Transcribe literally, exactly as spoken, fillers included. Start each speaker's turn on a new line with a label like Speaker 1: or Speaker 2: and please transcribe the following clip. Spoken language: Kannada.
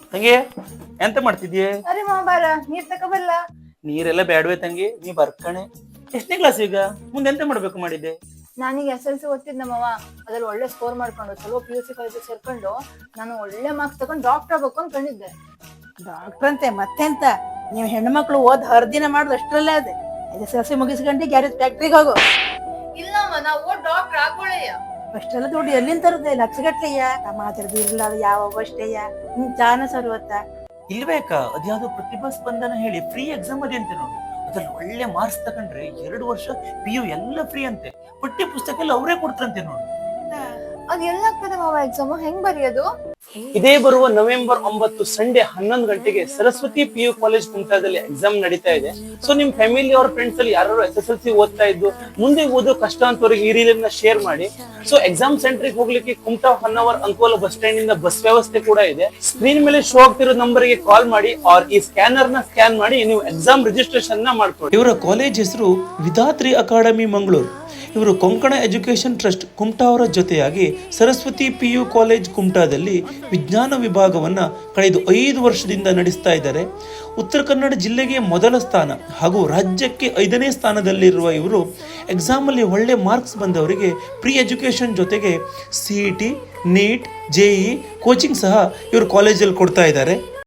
Speaker 1: ತಂಗಿ ಎಂತ ಮಾಡ್ತಿದ್ಯೆ?
Speaker 2: ಅರೆ ಮಾವ ಬಾರ ನೀರ್ ತಕೊಬಲ್ಲ.
Speaker 1: ನೀರೆಲ್ಲ ಬ್ಯಾಡ್ವೆ ತಂಗಿ, ನೀ ಬರ್ಕಣೆ. ಎಷ್ಟನೇ ಕ್ಲಾಸ್ ಈಗ? ಮುಂದೆ ಎಂತ ಮಾಡ್ಬೇಕು ಮಾಡಿದ್ದೆ?
Speaker 2: ನಾನೀಗ ಎಸ್ ಎಲ್ ಸಿ ಓದ್ತಿದ್ ನಮ್ಮವ ಅದ್ರಲ್ಲಿ ಒಳ್ಳೆ ಸ್ಕೋರ್ ಮಾಡ್ಕೊಂಡು ಚಲೋ ಪಿ ಯು ಸಿ ಕಾಲೇಜ್ ಸೇರ್ಕೊಂಡು ನಾನು ಒಳ್ಳೆ ಮಾರ್ಕ್ಸ್ ತಗೊಂಡು ಡಾಕ್ಟರ್ ಆಗ್ಬೇಕು ಅನ್ಕೊಂಡಿದ್ದೆ.
Speaker 3: ಡಾಕ್ಟರ್ ಅಂತೆ ಮತ್ತೆಂತ, ನೀವು ಹೆಣ್ಮಕ್ಳು ಓದ್ ಹರ್ದಿನ ಮಾಡುದು ಅಷ್ಟ್ರಲ್ಲೇ ಅದೇ. ಎಸ್ ಎಲ್ ಸಿ ಮುಗಿಸ್ಕೊಂಡು ಗ್ಯಾರೇಜ್ ಫ್ಯಾಕ್ಟ್ರಿಗೆ ಹೋಗು.
Speaker 2: ಇಲ್ಲಮ್ಮ ನಾವು ಓದ್ ಡಾಕ್ಟರ್ ಆಗೋಳೆಯ.
Speaker 3: ಅಷ್ಟೆಲ್ಲ ದುಡ್ಡು ಎಲ್ಲಿಂದ ತರುದೆ? ಲಕ್ಷಗಟ್ಲೆಯ ಮಾತಾಡ್ದು ಇರಲ್ಲ ಯಾವ ಅಷ್ಟೇಯ ನಿನ್ ಚಾನ ಸರ್ವತ್ತ
Speaker 1: ಇಲ್ಬೇಕಾ? ಅದ್ಯಾವ್ದೋ ಪ್ರತಿಭಾ ಸ್ಪಂದನ ಹೇಳಿ ಫ್ರೀ ಎಕ್ಸಾಮ್ ಅದೇ ಅಂತೆ ನೋಡಿ. ಅದ್ರಲ್ಲಿ ಒಳ್ಳೆ ಮಾರ್ಕ್ಸ್ ತಗೊಂಡ್ರೆ ಎರಡು ವರ್ಷ ಪಿ ಯು ಎಲ್ಲ ಫ್ರೀ ಅಂತೆ. ಪಠ್ಯ ಪುಸ್ತಕ ಎಲ್ಲ ಅವರೇ ಕೊಡ್ತಾರಂತೆ ನೋಡಿ.
Speaker 2: ಅದ್ ಎಲ್ಲಾಗ್ತದೆ ಮಾವ ಎಕ್ಸಾಮ್ ಹೆಂಗ್ ಬರೆಯೋದು?
Speaker 1: ಇದೇ ಬರುವ ನವೆಂಬರ್ ಒಂಬತ್ತು ಸಂಡೇ ಹನ್ನೊಂದು ಗಂಟೆಗೆ ಸರಸ್ವತಿ ಪಿ ಯು ಕಾಲೇಜ್ ಕುಮಟಾದಲ್ಲಿ ಎಕ್ಸಾಮ್ ನಡೀತಾ ಇದೆ. ಸೊ ನಿಮ್ ಫ್ಯಾಮಿಲಿ ಅವ್ರ ಫ್ರೆಂಡ್ಸ್ ಅಲ್ಲಿ ಯಾರು ಎಸ್ ಎಸ್ ಎಲ್ ಸಿ ಓದ್ತಾ ಇದ್ದು ಮುಂದೆ ಓದೋ ಕಷ್ಟ ಅಂತವ್ರಿಗೆ ಈ ರೀತಿಯನ್ನ ಶೇರ್ ಮಾಡಿ. ಸೊ ಎಕ್ಸಾಮ್ ಸೆಂಟರ್ಗೆ ಹೋಗ್ಲಿಕ್ಕೆ ಕುಮಟಾ ಹೊನ್ನವರ್ ಅಂಕೋಲ ಬಸ್ ಸ್ಟ್ಯಾಂಡ್ ಇಂದ ಬಸ್ ವ್ಯವಸ್ಥೆ ಕೂಡ ಇದೆ. ಸ್ಕ್ರೀನ್ ಮೇಲೆ ಶೋ ಆಗ್ತಿರೋ ನಂಬರ್ ಗೆ ಕಾಲ್ ಮಾಡಿ ಆರ್ ಈ ಸ್ಕ್ಯಾನರ್ ನ ಸ್ಕ್ಯಾನ್ ಮಾಡಿ ನೀವು ಎಕ್ಸಾಮ್ ರಿಜಿಸ್ಟ್ರೇಷನ್ ನ ಮಾಡ್ಕೊಳ್ಳಿ. ಇವರ ಕಾಲೇಜ್ ಹೆಸರು ವಿಧಾತ್ರಿ ಅಕಾಡೆಮಿ ಮಂಗಳೂರು. ಇವರು ಕೊಂಕಣ ಎಜುಕೇಶನ್ ಟ್ರಸ್ಟ್ ಕುಮಟಾ ಅವರ ಜೊತೆಯಾಗಿ ಸರಸ್ವತಿ ಪಿ ಯು ಕಾಲೇಜ್ ಕುಮಟಾದಲ್ಲಿ ವಿಜ್ಞಾನ ವಿಭಾಗವನ್ನು ಕಳೆದ ಐದು ವರ್ಷದಿಂದ ನಡೆಸ್ತಾ ಇದ್ದಾರೆ. ಉತ್ತರ ಕನ್ನಡ ಜಿಲ್ಲೆಗೆ ಮೊದಲ ಸ್ಥಾನ ಹಾಗೂ ರಾಜ್ಯಕ್ಕೆ ಐದನೇ ಸ್ಥಾನದಲ್ಲಿರುವ ಇವರು ಎಕ್ಸಾಮಲ್ಲಿ ಒಳ್ಳೆ ಮಾರ್ಕ್ಸ್ ಬಂದವರಿಗೆ ಪ್ರೀ ಎಜುಕೇಷನ್ ಜೊತೆಗೆ C E T, NEET, J E coaching ಸಹ ಇವರು ಕಾಲೇಜಲ್ಲಿ ಕೊಡ್ತಾ ಇದ್ದಾರೆ.